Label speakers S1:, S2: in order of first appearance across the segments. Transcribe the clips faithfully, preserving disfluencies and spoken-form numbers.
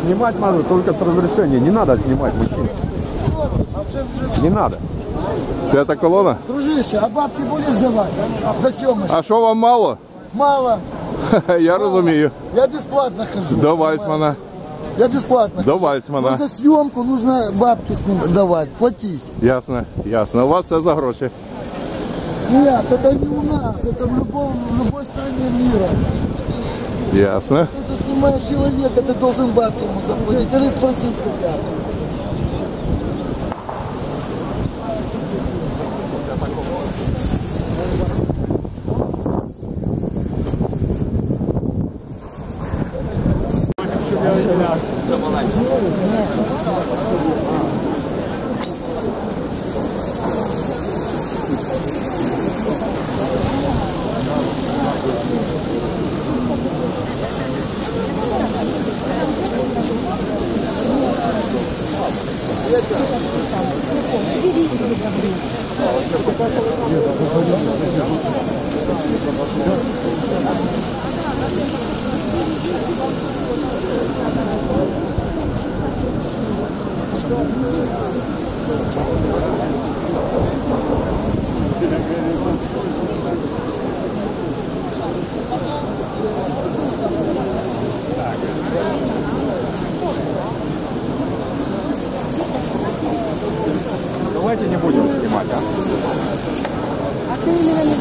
S1: Снимать надо только с разрешения. Не надо снимать мужчин. Не надо. Пятая колонна?
S2: Дружище, а бабки будешь давать за съемочку?
S1: А що вам мало?
S2: Мало.
S1: Я розумію.
S2: Я бесплатно хожу.
S1: До Вальцмана.
S2: Я бесплатно
S1: До
S2: хожу.
S1: Вальцмана.
S2: Но за съемку нужно бабки с ним давать, платить.
S1: Ясно, ясно. У вас все за гроші.
S2: Нет, это не у нас, это в, любом, в любой стране мира.
S1: Ясно.
S2: Ты снимаешь человека, ты должен бабки ему заплатить или спросить хотя бы.
S1: Давайте не будем снимать, а?
S3: А что именно не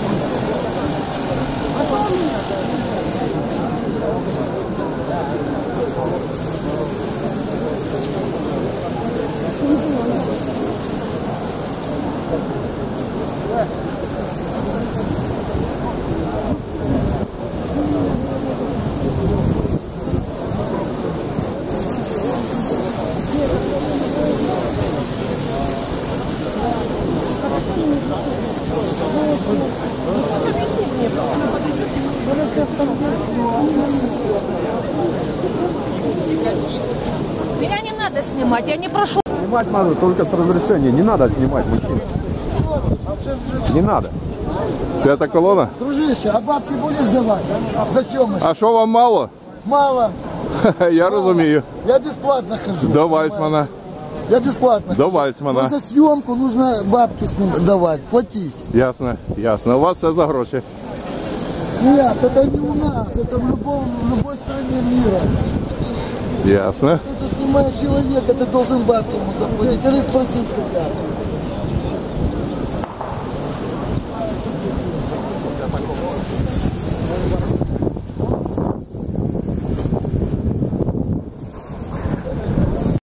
S4: Меня не надо снимать, я не прошу.
S1: Снимать надо только с разрешения. Не надо снимать мужчин. Не надо. Пятая колонна?
S2: Дружище, а бабки будешь давать за съемочку?
S1: А що вам мало?
S2: Мало.
S1: Я розумію.
S2: Я бесплатно хожу.
S1: До Вальцмана.
S2: Я бесплатно
S1: До
S2: хожу.
S1: Вальцмана.
S2: Но за съемку нужно бабки с ним давать, платить.
S1: Ясно, ясно. У вас все за гроші.
S2: Нет, это не у нас, это в, любом, в любой стране мира.
S1: Ясно.
S2: Ты снимаешь человека, ты должен бабки ему заплатить или спросить хотя бы.